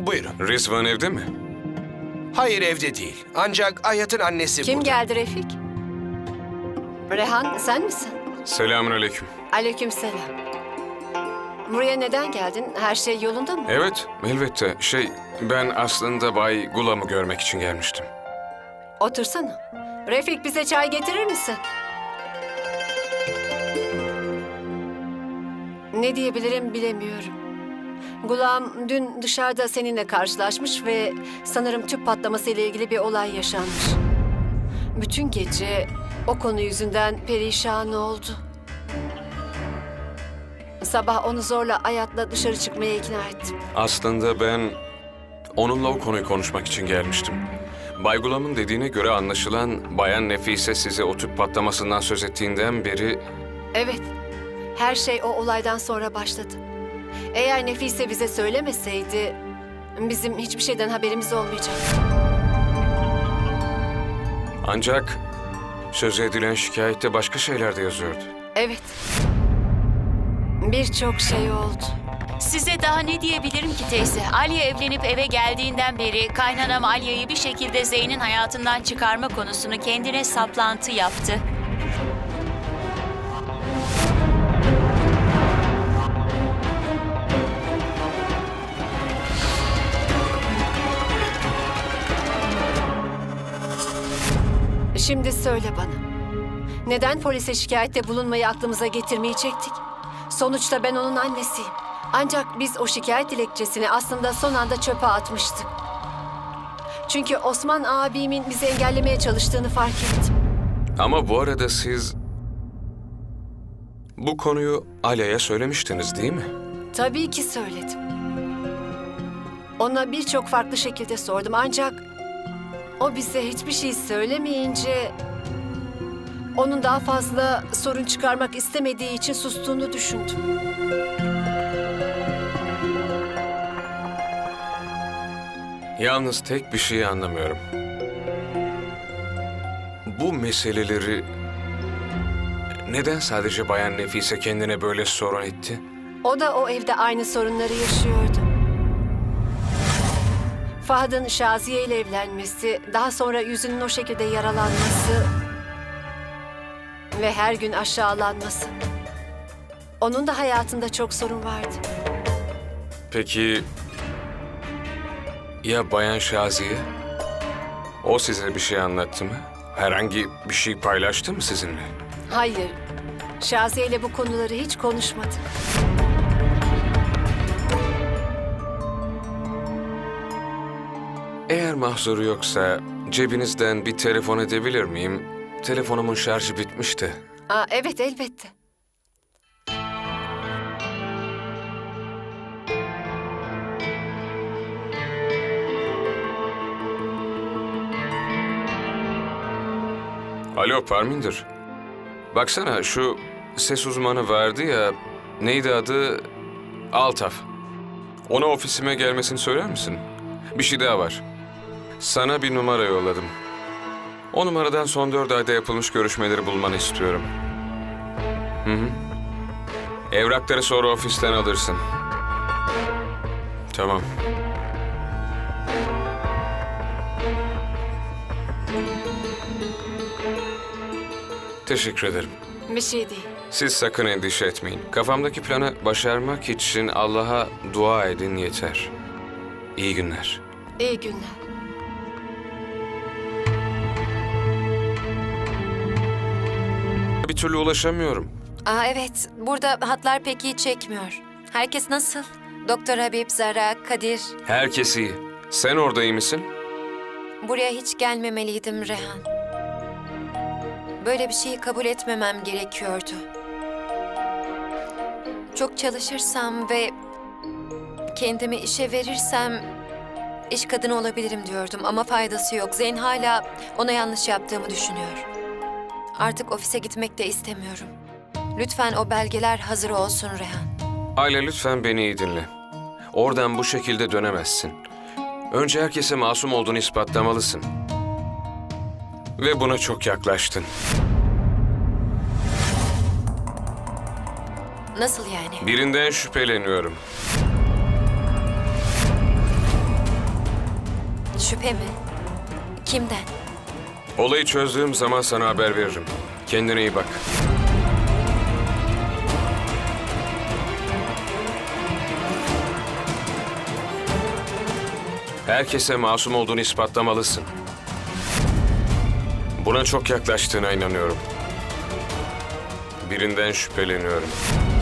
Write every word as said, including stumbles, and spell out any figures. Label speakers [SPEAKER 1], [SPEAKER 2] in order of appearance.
[SPEAKER 1] Buyurun.
[SPEAKER 2] Rizvan evde mi?
[SPEAKER 1] Hayır, evde değil. Ancak Ayat'ın annesi
[SPEAKER 3] Kim
[SPEAKER 1] burada.
[SPEAKER 3] geldi Refik? Rehan, sen misin?
[SPEAKER 2] Selamünaleyküm.
[SPEAKER 3] Aleykümselam. Buraya neden geldin? Her şey yolunda mı?
[SPEAKER 2] Evet, elbette. Şey, ben aslında Bay Gulam'ı görmek için gelmiştim.
[SPEAKER 3] Otursana. Refik, bize çay getirir misin? Ne diyebilirim bilemiyorum. Gulam dün dışarıda seninle karşılaşmış ve sanırım tüp patlaması ile ilgili bir olay yaşanmış. Bütün gece o konu yüzünden perişan oldu. Sabah onu zorla Ayat'la dışarı çıkmaya ikna ettim.
[SPEAKER 2] Aslında ben onunla o konuyu konuşmak için gelmiştim. Bay Gulam'ın dediğine göre anlaşılan Bayan Nefise size o tüp patlamasından söz ettiğinden beri...
[SPEAKER 3] Evet, her şey o olaydan sonra başladı. Eğer Nefise bize söylemeseydi, bizim hiçbir şeyden haberimiz olmayacak.
[SPEAKER 2] Ancak söz edilen şikayette başka şeyler de yazıyordu.
[SPEAKER 3] Evet, birçok şey oldu.
[SPEAKER 4] Size daha ne diyebilirim ki teyze? Alya evlenip eve geldiğinden beri kaynanam Alya'yı bir şekilde Zeyn'in hayatından çıkarma konusunu kendine saplantı yaptı.
[SPEAKER 3] Şimdi söyle bana, neden polise şikayette bulunmayı aklımıza getirmeyecektik? Sonuçta ben onun annesiyim. Ancak biz o şikayet dilekçesini aslında son anda çöpe atmıştık. Çünkü Osman abimin bizi engellemeye çalıştığını fark ettim.
[SPEAKER 2] Ama bu arada siz bu konuyu Alya'ya söylemiştiniz değil mi?
[SPEAKER 3] Tabii ki söyledim. Ona birçok farklı şekilde sordum ancak o bize hiçbir şey söylemeyince onun daha fazla sorun çıkarmak istemediği için sustuğunu düşündüm.
[SPEAKER 2] Yalnız tek bir şeyi anlamıyorum. Bu meseleleri neden sadece Bayan Nefise kendine böyle sorun etti?
[SPEAKER 3] O da o evde aynı sorunları yaşıyordu. Fahad'ın Şaziye ile evlenmesi, daha sonra yüzünün o şekilde yaralanması ve her gün aşağılanması. Onun da hayatında çok sorun vardı.
[SPEAKER 2] Peki ya Bayan Şaziye? O size bir şey anlattı mı? Herhangi bir şey paylaştı mı sizinle?
[SPEAKER 3] Hayır, Şaziye ile bu konuları hiç konuşmadık.
[SPEAKER 2] Eğer mahzuru yoksa cebinizden bir telefon edebilir miyim? Telefonumun şarjı bitmişti.
[SPEAKER 3] Aa, evet, elbette.
[SPEAKER 2] Alo Parminder. Baksana şu ses uzmanı vardı ya, neydi adı? Altaf. Ona ofisime gelmesini söyler misin? Bir şey daha var. Sana bir numara yolladım. O numaradan son dört ayda yapılmış görüşmeleri bulmanı istiyorum. Hı hı. Evrakları sonra ofisten alırsın. Tamam. Teşekkür ederim.
[SPEAKER 3] Bir şey değil.
[SPEAKER 2] Siz sakın endişe etmeyin. Kafamdaki planı başarmak için Allah'a dua edin yeter. İyi günler.
[SPEAKER 3] İyi günler.
[SPEAKER 2] Bir türlü ulaşamıyorum.
[SPEAKER 5] Aa, evet, burada hatlar pek iyi çekmiyor. Herkes nasıl? Doktor Habib, Zara, Kadir.
[SPEAKER 2] Herkes iyi. Sen orada iyi misin?
[SPEAKER 5] Buraya hiç gelmemeliydim Rehan. Böyle bir şeyi kabul etmemem gerekiyordu. Çok çalışırsam ve kendimi işe verirsem iş kadını olabilirim diyordum ama faydası yok. Zeyn hala ona yanlış yaptığımı düşünüyor. Artık ofise gitmek de istemiyorum. Lütfen o belgeler hazır olsun Rehan.
[SPEAKER 2] Ayla lütfen beni iyi dinle. Oradan bu şekilde dönemezsin. Önce herkese masum olduğunu ispatlamalısın. Ve buna çok yaklaştın.
[SPEAKER 5] Nasıl yani?
[SPEAKER 2] Birinden şüpheleniyorum.
[SPEAKER 5] Şüphe mi? Kimden?
[SPEAKER 2] Olayı çözdüğüm zaman sana haber veririm. Kendine iyi bak. Herkese masum olduğunu ispatlamalısın. Buna çok yaklaştığına inanıyorum. Birinden şüpheleniyorum.